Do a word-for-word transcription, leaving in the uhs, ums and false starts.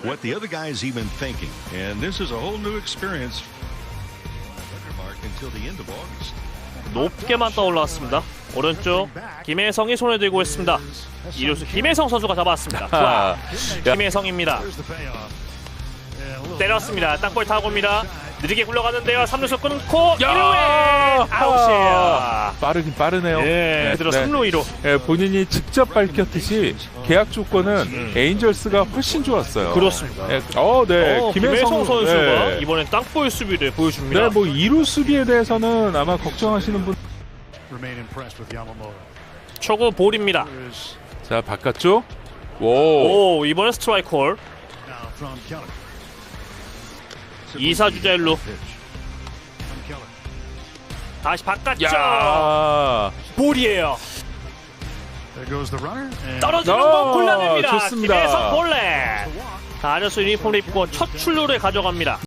what the other guy is even thinking. And this is a whole new experience. Mark until the end of August. 높게만 떠올랐습니다. 오른쪽 김혜성이 손에 들고 있습니다. 이루수 김혜성 선수가 잡았습니다. 좋아. 김혜성입니다. 때렸습니다. 땅볼 타고입니다. 느리게 굴러가는데요. 삼 루수 끊고 일 루에 아웃이에요. 빠르긴 빠르네요. 예, 그대로 네. 삼 루 이 루. 예, 본인이 직접 밝혔듯이 계약 조건은 음. 에인절스가 훨씬 좋았어요. 그렇습니다. 예, 어, 네. 어, 김혜성, 김혜성 선수가 네. 이번엔 땅볼 수비를 보여줍니다. 네, 뭐 이 루 수비에 대해서는 아마 걱정하시는 분. 초구 볼입니다. 자, 바깥쪽. 오. 오, 이번엔 스트라이크 콜. 이 사 주자 일 루. 다시 바깥쪽. 야. 볼이에요. 떨어지는 어, 공 골라냅니다. 좋습니다. 김혜성 볼넷. 다저스 유니폼을 입고 첫 출루를 가져갑니다.